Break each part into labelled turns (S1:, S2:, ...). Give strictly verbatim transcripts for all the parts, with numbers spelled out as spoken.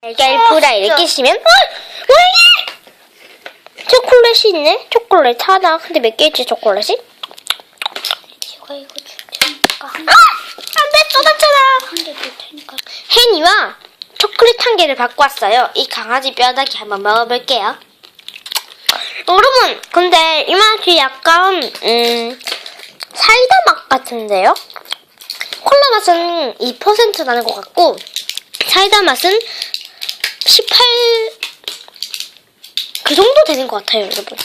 S1: 달걀 프라이를 끼시면 어! 왜 이게! 초콜릿이 있네? 초콜릿 하나. 근데 몇 개지 초콜릿이?
S2: 제가 이거 줄 테니까 한
S1: 아! 안 돼! 쏟았잖아!
S2: 개 줄 테니까.
S1: 혜니와 초콜릿 한 개를 갖고 왔어요. 이 강아지 뼈다귀 한번 먹어볼게요. 여러분, 근데 이 맛이 약간 음 사이다 맛 같은데요? 콜라 맛은 이 퍼센트 나는 것 같고 사이다 맛은 십팔 그 정도 되는 것 같아요, 여러분.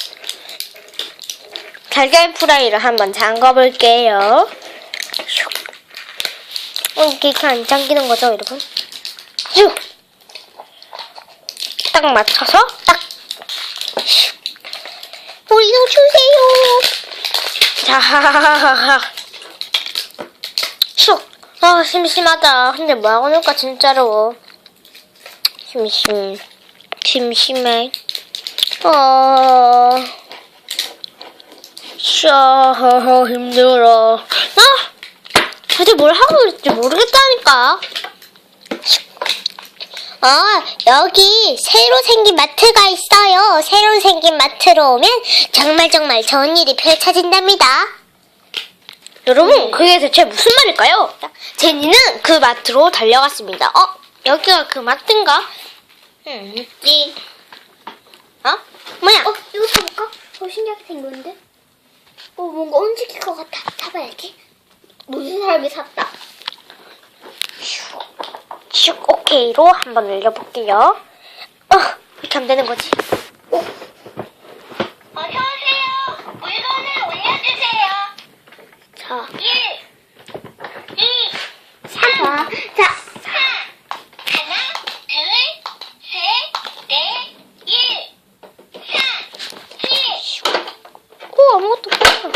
S1: 달걀 프라이를 한번 잠궈볼게요. 어, 이게 안 잠기는 거죠, 여러분? 슉! 딱 맞춰서 딱! 슉! 우리도 주세요! 자, 하하하하. 슉! 아, 심심하다. 근데 뭐하고 놀까, 진짜로. 심심. 심심해. 어... 샤, 힘들어. 아! 도대체 뭘 하고 있을지 모르겠다니까.
S2: 어, 여기 새로 생긴 마트가 있어요. 새로 생긴 마트로 오면 정말 정말 좋은 일이 펼쳐진답니다.
S1: 여러분, 그게 대체 무슨 말일까요? 제니는 그 마트로 달려갔습니다. 어? 여기가 그 마트인가? 음, 띠. 어? 뭐야?
S2: 어, 이거 사볼까? 어, 신기하게 생겼는데? 어, 뭔가 움직일 것 같아. 사봐야지. 무슨 사람이 샀다.
S1: 슉, 오케이로 한번 올려볼게요. 어, 이렇게 하면 되는 거지.
S2: 어? 어서오세요. 물건을 올려주세요. 자. 일, 이, 삼. 자. 사. 하나, 둘, 셋, 넷, 일, 사, 칠.
S1: 오, 아무것도 없어.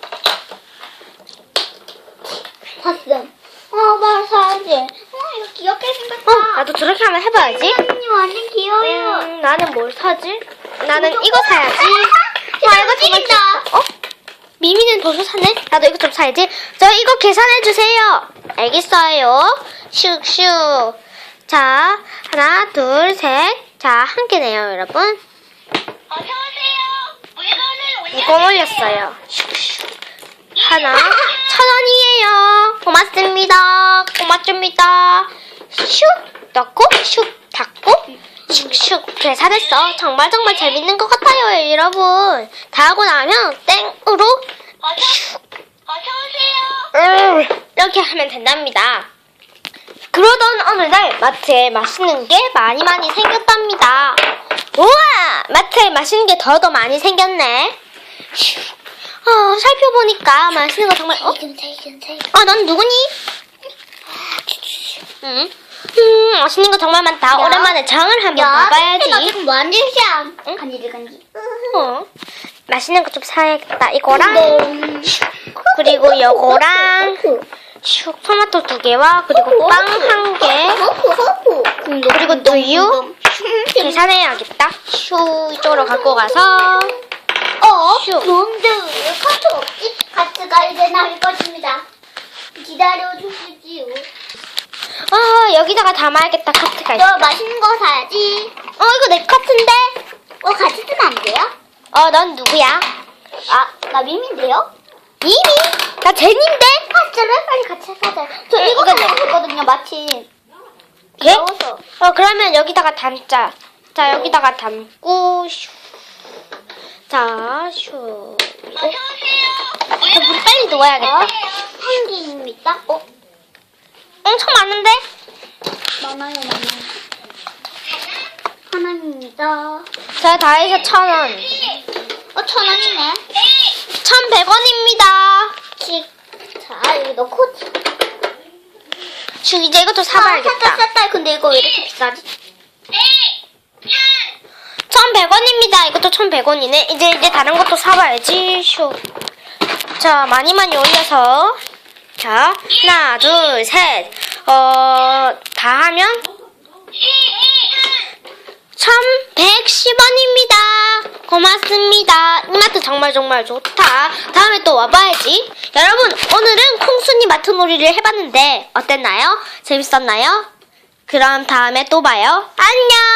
S2: 봤어. 어, 말 사야지. 어, 이거 귀엽게 생겼다.
S1: 어, 나도 저렇게 한번 해봐야지.
S2: 선생님 완전 귀여워요.
S1: 음, 나는 뭘 사지? 나는 이거 사야지.
S2: 아, 이거 찌린다.
S1: 어? 미미는 벌써 사네? 나도 이거 좀 사야지. 저 이거 계산해주세요. 알겠어요. 슉슉. 자, 하나, 둘, 셋. 자, 한 개네요, 여러분.
S2: 어서오세요. 물건을
S1: 이거 올렸어요. 슉슉. 하나, 천 원이에요. 고맙습니다. 고맙습니다. 슉 넣고, 슉 닫고, 슉슉 계산했어. 정말 정말 재밌는 것 같아요, 여러분. 다 하고 나면 땡으로 슉.
S2: 어서오세요.
S1: 음, 이렇게 하면 된답니다. 그러던 어느 날 마트에 맛있는 게 많이 많이 생겼답니다. 우와! 마트에 맛있는 게 더 더 많이 생겼네. 슉. 어, 살펴보니까 맛있는 거 정말 어? 아, 넌 누구니? 응? 음, 맛있는 거 정말 많다.
S2: 야.
S1: 오랜만에 장을 한번 봐봐야지.
S2: 나 지금 완전 샤.
S1: 응?
S2: 간지를 간지.
S1: 어. 맛있는 거 좀 사야겠다. 이거랑
S2: 네.
S1: 그리고 요거랑 슉 토마토 두 개와 그리고 빵 한 개. 그리고 우유 계산해야겠다. 슉 이쪽으로 갖고 가서
S2: 어?
S1: 슉.
S2: 뭔데 왜 카트 없지? 카트가 이제 나올 것입니다. 기다려 주시지요.
S1: 아, 여기다가 담아야겠다. 카트가 있어.
S2: 너 맛있는 거 사야지.
S1: 어, 이거 내 카트인데?
S2: 어, 같이 쓰면 안 돼요?
S1: 어, 넌 누구야?
S2: 아, 나 미미인데요?
S1: 미미? 나 제니인데?
S2: 아, 진짜로? 빨리 같이 사자. 저
S1: 응,
S2: 이거
S1: 이거
S2: 사고 싶거든요, 마침.
S1: 예?
S2: 귀여워서.
S1: 어, 그러면 여기다가 담자. 자, 여기다가 담고, 슈. 자, 슈.
S2: 어서오세요.
S1: 저 물 빨리 넣어야겠다.
S2: 한 개입니다. 어?
S1: 엄청 많은데?
S2: 많아요, 많아요. 하나입니다.
S1: 자, 다 해서 천 원.
S2: 어, 천 원이네.
S1: 천백 원입니다.
S2: 씩. 자, 여기 넣고.
S1: 슈, 이제 이것도
S2: 아,
S1: 사봐야겠다.
S2: 샀다, 샀다. 근데 이거 왜 이렇게 비싸지?
S1: 천백 원입니다. 이것도 천백 원이네. 이제, 이제 다른 것도 사봐야지. 슈. 자, 많이 많이 올려서. 자, 하나, 둘, 셋. 어, 다 하면 천백십 원입니다. 고맙습니다. 이마트 정말 정말 좋다. 다음에 또 와봐야지. 여러분, 오늘은 콩순이 마트 놀이를 해봤는데 어땠나요? 재밌었나요? 그럼 다음에 또 봐요. 안녕!